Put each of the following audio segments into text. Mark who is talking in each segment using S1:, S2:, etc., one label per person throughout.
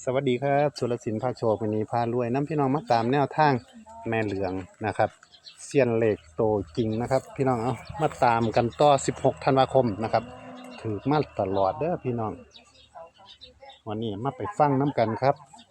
S1: สวัสดีครับสุรศิลป์ภาคโชควันนี้พารวยน้ำพี่น้องมาตามแนวทางแม่เหลืองนะครับเซียนเหล็กโตจริงนะครับพี่น้องเอามาตามกันต่อ16ธันวาคมนะครับถือมาตลอดเด้อพี่น้องวันนี้มาไปฟังน้ำกันครับ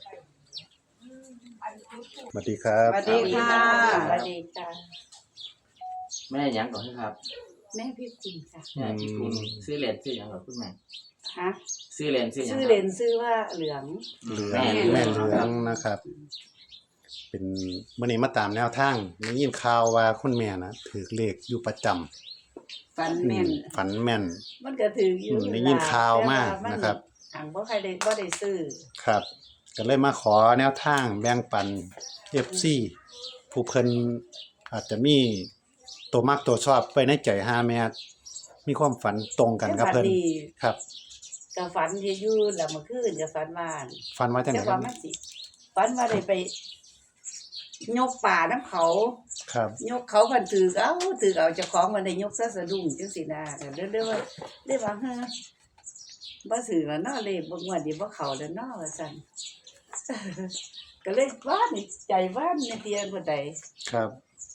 S1: สวัสดีครับ
S2: สวัสดีค่ะ
S3: สวัสดีค่ะ
S2: แม่หยังก่อนครับ
S3: แม่พี่คุณค่ะ
S2: แม่ที่คุณซื้อเหรียญซื้อหยังก่อนคุณแม่
S3: ฮะ
S2: ซื้อเหรียญซื้อหยัง
S3: ชื่อเล่นชื่อว่าเหลือง
S1: เหลืองแม่เหลืองนะครับเป็นวันนี้มาตามแนวทางได้ยินข่าวว่าคุณแม่นะถือเลขอยู่ประจำ
S3: ฟันแม่น
S1: ฝันแม่น
S3: มันก็ถืออยู่
S1: ได้ยินข่าวมากนะครับ
S3: ทางบ่ใครได้บ่ได้ซื้อ
S1: ครับก็เลยมาขอแนวทางแบ่งปัน FC ผู้เพิ่นอาจจะมีตัวมักตัวชอบไว้ในใจหาแม่มีความฝันตรงกันกับเพิ่น
S3: แต่ฝัดี
S1: ครับ
S3: ก็ฝันที่อยู่แล้วเมื่อคืนก็ฝันว่า
S1: ฝันว่าจังได
S3: แต่
S1: ครั
S3: ว่า
S1: บ
S3: มันสิฝันว่าได้ไปยกป่าน้ำเขา
S1: ครับ
S3: ยกเขากันถือเอาเจ้าของมันได้ยกซะสะดุ้งจังซี่นะแต่เด้อว่าได้ว่าฮะบ่ซื้อแล้วเนาะเลยบ่งวดนี้บ่เข้าแล้วเนาะว่าซั่น ก็เลยว่านใจว่านในเตียงบ่ได้
S1: ครับ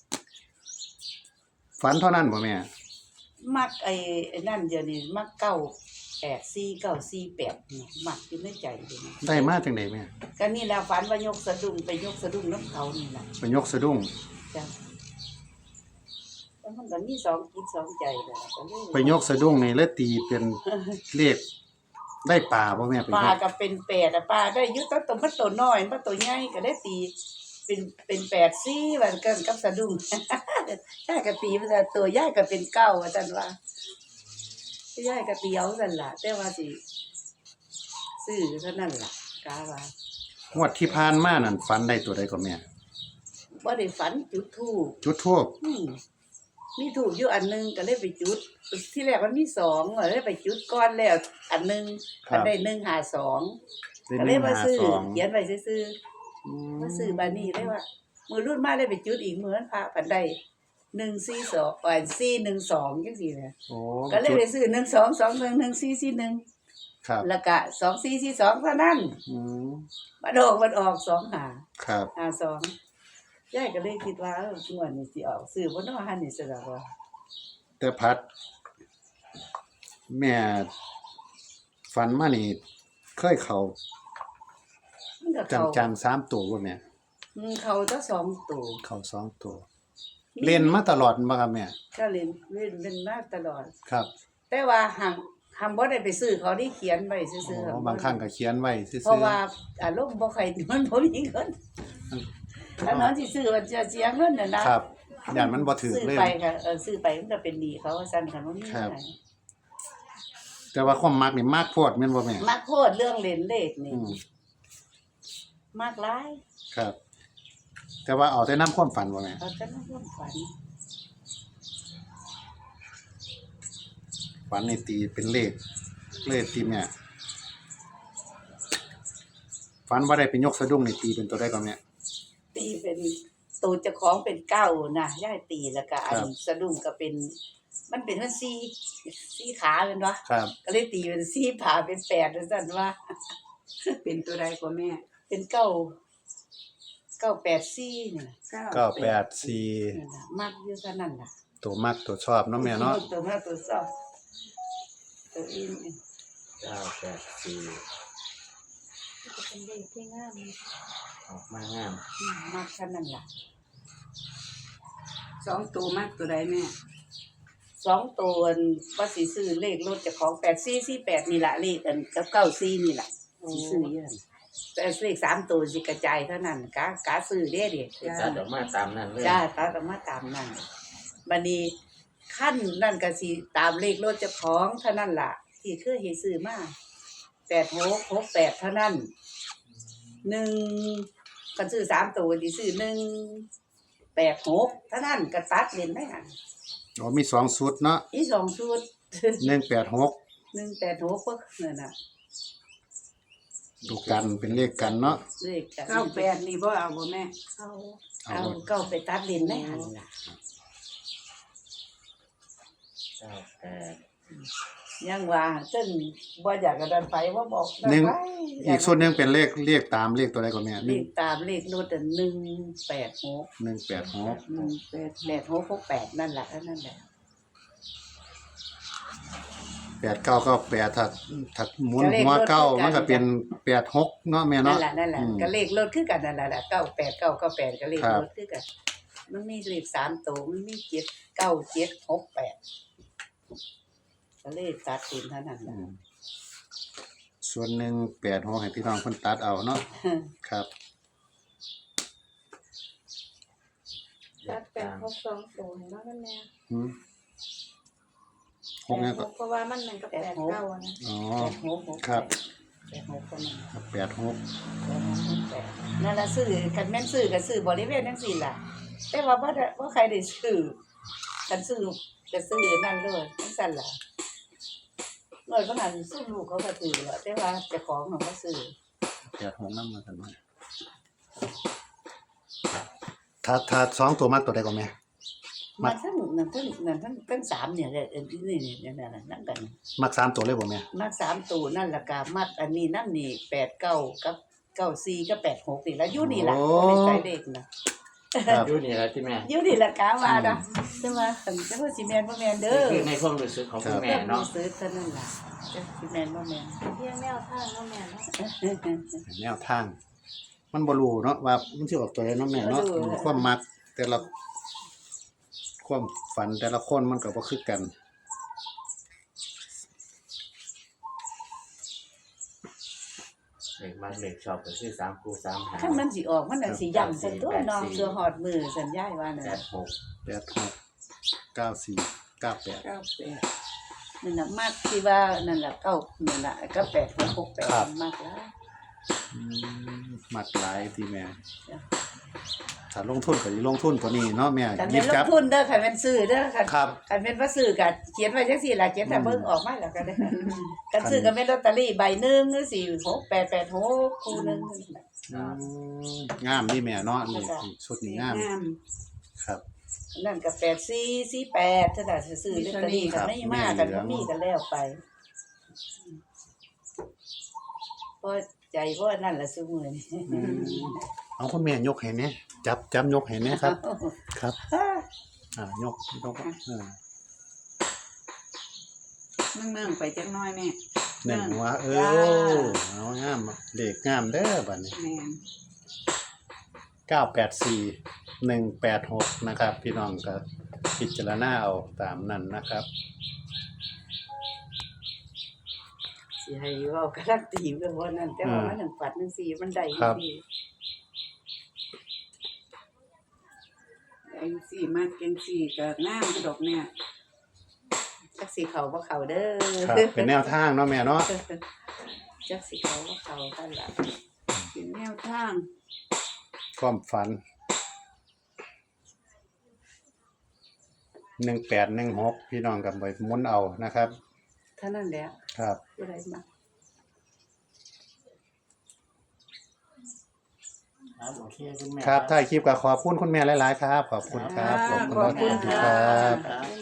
S1: ฝันเท่านั้นบ่แม่
S3: มักไอ้นั่นเดี๋ยวนี้มัก984 948นี่มักอยู่ในใจเดี๋ยวนี้
S1: ได้มาจังไดแม่
S3: ก็นี่แหละฝันว่ายกสะดุ้งไปยกสะดุ้งน้ำเขานี่ล่ะ
S1: ไปยกสะดุ้ง
S3: จ้ะแล้วมันก็มี2จิต2ใจนั่นล่ะก็เลย
S1: ไปยกสะดุ้งนี่แล้วตีเป็นเลขได้ป่าบ่แม่ไป
S3: ปลาย
S1: ก
S3: ก็เป็น8อ่ะปลาได้อยู่ตัวมันตัวน้อยมันตัวใหญ่ก็ได้ตีเป็น84ว่ากันกับสะดุ้ง ยายก็ตีมันว่าตัวยายก็เป็น9ว่าซั่นว่ายายก็ตีเอาซั่นล่ะแต่ว่าสิซื้อเท่านั้นล่ะกาว่าง
S1: วดที่ผ่านมานั่นฝันได้ตัวใดก็แม่
S3: บ่ได้ฝันจุดธูป
S1: จุดธูป
S3: มีธูปอยู่อันหนึงก็เลยไปจุด ที่แรกมันมี2ก็เลยไปจุดก่อนแล้วอันหนึงมันได้152ก็เลยมาซื้อเขียนไว้ซื่อๆมาซื้อบัดนี้เลยว่ามื้อรุ่นมาเลยไปจุดอีกมื้อนั้นพระปันได้142412จังซี่แหละ
S1: โอ้
S3: ก็เลยไปซื้อ12211441
S1: ครับ
S3: แล้วก็2442เท่านั้น
S1: อืม
S3: มันออก25
S1: ครับ
S3: 52ยายก็เลยคิดว่าเอองวดนี้สิออกซื้อบ่เนาะหั่นนี่ซะแล้วว่า
S1: แต่พัด แม่ฝันมานี่เคยเข้า
S3: มันก็เข้า
S1: จังๆ3ตัวบ่แม่
S3: เข้าแต่2ตัว
S1: เข้า2ตัว เล่นมาตลอดบ่ครับแม่
S3: ก็เล่นมาตลอด
S1: ครับ
S3: แต่ว่าหังบ่ได้ไปซื้อเขาที่เขียนไว้ซื่อ
S1: อ๋อ
S3: ๆ
S1: บางครั้งก็เขียนไว้ซื่อๆ
S3: เพราะว่าอารมณ์บ่ค่อยมันบ่มีเงินถ้าน้องสิซื้อมันจะเสียเงินน่ะนะครับ
S1: ย่านมันบ่ถูก
S3: ซื้อ
S1: เลย
S3: ไปก็ซื้อไปมันก็เป็นหนี้เขาว่าซั่นคันบ่มี
S1: ครั
S3: เงิ
S1: บ
S3: น
S1: แต่ว่าความมักนี่มักโพดแม่นบ่แม่
S3: มักโคตรเรื่องเล่นเลขนี่
S1: อืม
S3: มักหลาย
S1: ครับ แต่ว่าเอาแต่น้ำความฝันบ่แม่
S3: เอาแต่ในความฝัน
S1: ฝันนี่ตีเป็นเลขตีแม่ฝันว่าได้เป็นยกสะดุ้งนี่ตีเป็นตัวใดก็แม่
S3: ตีเป็นตัวเจ้าของเป็นเก้านะยายตีแล้วก็อัน
S1: ครับ
S3: สะดุ้งก็เป็นมันเป็นมัน4ขาแม่นบ่
S1: ครับ
S3: ก็เลยตีเป็น4ขาเป็น8ว่าซั่นว่า
S4: เป็นตัวใดกว่าแม่
S3: เป็น984นี่ล่ะ
S1: 984
S3: นั่นล่ะมักอยู่เท่านั้นล่ะ
S1: ตัวมักตัวชอบเนาะแม่เนาะ
S3: ตัวมาตัวสอบตัวอินนี่
S2: 984
S3: ก็เป็นเลขที่งาม
S2: ออกมางาม
S3: มักเท่านั้นล่ะ
S4: สองตัวมากตัวใดแม่
S3: 2ตัวว่าสิซื้อเลขรถเจ้าของ8448นี่ล่ะเลขอันกับ94นี่ล่ะสิซื้ออยู่นั่นแต่เลข3ตัวสิกระจายเท่านั้นกะซื้อเด้ดิ
S2: ตัดออกมาตามนั้นเลย
S3: จ้าตัดออกมาตามนั้นบัดนี้ขั้นนั่นก็สิตามเลขรถเจ้าของเท่านั้นล่ะ ที่เคยเฮ็ดซื้อมา8668เท่านั้น1คันซื้อ3ตัวสิซื้อ186เท่านั้นก็ตัดเล่นได้หั่น
S1: อ๋อมี2ชุดเนาะ
S3: อี2ชุด
S1: 186
S3: 186ก็นั่นน่ะ
S1: ตัวกันเป็นเลขกันเนาะ
S3: เลขกัน
S4: 98นี่บ่เอาบ่แม่
S3: เอาก็ไปตัดเล่นได้หั่นล่ะ
S2: 98
S3: ยังว่าซึ่งบ่อยากกระดันไปว่าบอก
S1: หนึ่ง
S3: ไป
S1: อีกส่วนหนึงเป็นเลขตามเลขตัวใดก็แม่
S3: เลขตามเลขรถ186
S1: 186
S3: 8668นั่นแหละนั่นแหละ
S1: 8998ถ้าหมุนหัวเก้ามันก็เป็น86เนาะแม่
S3: นั่
S1: เนาะ
S3: นแหละนั่นแหละ
S1: อืม
S3: ก็เลขรถคือกันนั่นแหละ98998ก็เลข
S1: ครับ
S3: รถคือกันมันมีเลข3ตัวมันมี79768ก็เลขตัดเป็นเท่านั้น
S1: อื
S3: ล่ะ
S1: มส่วนหนึ่ง86ให้พี่น้องเพิ่นตัดเอาเนาะครับ
S5: ตัดเป็นครบ2ตัวเนาะแม่
S1: อืม6เนี่ยก็
S5: เพราะว่ามันก็8 9นะ
S1: อ๋อ
S3: 8668
S1: ครับ
S3: 86คนนั้น
S1: 86
S3: นั่นล่ะซื้อคันแม่นซื้อก็ซื้อบริเวณจังซี่ล่ะ แต่ว่าบ่ใครได้ซื้อกันซื้อก็ซื้อนั่นเลยจังซั่นล่ะเมื่อก่อนซื้อลูกเขาก็ซื้อแล้วแต่ว่าเจ้าของเขาบ่ซื้อ
S1: 86นำมากันมาถ้า2ตัวมักตัวใดก็แม่
S3: มันทั้ง3เนี่ยนี่นั่นนั่นกัน
S1: มัก3ตัวเลยบ่แม่
S3: มัก3ตัวนั่นล่ะก็มักอันนี้นำนี่89กับ94กับ86นี่ล่ะอยู่นี่ล่ะบ่ได้ใส่เลขน่ะ
S1: ครับ
S2: อยู่นี่แหละที่แม่
S3: อยู่นี่ล่ะกะว่านะแต่ว่าแต่ว่าสิแม่นบ่แม่นเด้อ
S2: คือในความรู้สึกของคุณแม่เนาะ
S3: ซื้อเท่านั้นล่ะจะสิแม่นบ่แม่น
S5: เพียงแนวทางเนาะแม่เนาะ
S1: แนวทาง มันบ่รู้เนาะว่ามันสิออกตัวใดเนาะแม่เนาะความมักแต่ละความฝันแต่ละคนมันก็บ่คือกัน
S2: เลขมากเลขชอบก็คือ3คู่3หาง
S3: คันมันสิออกมันน่ะสิย่ำซั่นตัวน้องเสือหอดมือสัญญาว่าน่ะ
S2: 86
S1: 86 94 98
S3: 98นั่นน่ะมักที่ว่านั่นล่ะเก้านั่นล่ะก็8668มักแล้ว
S1: มักหลายที่แม่ถ้าลงทุนก็สิลงทุนตัวนี้เนาะแม่
S3: คัน
S1: หยิ
S3: เป็นล
S1: บจั
S3: ง
S1: บ
S3: ทุนเด้อคันเป็นซื้อเด้อคัน
S1: ครับ
S3: คันเป็นว่าซื้อก็เขียนไว้จังซี่ล่ะเขียนแต่เบิ่งออกมาแล้วก็ได้คันซื้อก็เป็นลอตเตอรี่ใบหนึงหรือ4886คู่หนึง
S1: งามนี่แม่เนาะนี่ชุดนี้งาม
S4: งาม
S1: ครับ
S3: นั่นก็8448ถ้าได้ซื้อลอตเตอรี่
S1: ครั
S3: ก็
S1: บ
S3: ไม่มากันบ่มีกันแล้วไปพอใจบ่นั่นล่ะซุมื้อนี้
S1: เอาคุณแม่ยกให้แหน่จับยกให้แหน่ครับ ครับ ยก
S4: เมืองไปจักหน้อยแม่
S1: หนึ่งหัวเอางามเลขงามเด้อบัดนี้
S4: แม่น
S1: 984186นะครับ พี่น้องก็พิจารณาเอาตามนั้นนะครับ
S3: สิให้เว้าการันตีเรื่องว่านั่นแต่ว่ามันหนึ่งปัดจังซี่มันได้
S1: ครับ
S3: ดี
S4: ไอ้สี่มากเก่งสี่ก็งามกระดอกเนี่ย
S3: จักสิเข้าบ่เข้าเด้อ
S1: ครับเป็นแนวทางเนาะแม่เนาะ
S3: จักสิเข้าบ่เข้ากันล่ะ
S4: เป็นแนวทาง
S1: ความฝัน1816พี่น้องกับไปหมุนเอานะครับ
S3: เท่านั้นแหละ
S1: ครับ
S3: ผู้ใดมา
S2: ครับโอเคคุณแม่
S1: ครับถ่ายคลิปก็ขอบคุณคุณแม่หลายๆครับ ขอบคุณครับ
S4: ขอบคุณ
S1: ค
S4: ค่ะ
S1: รับ
S5: ขอบคุณ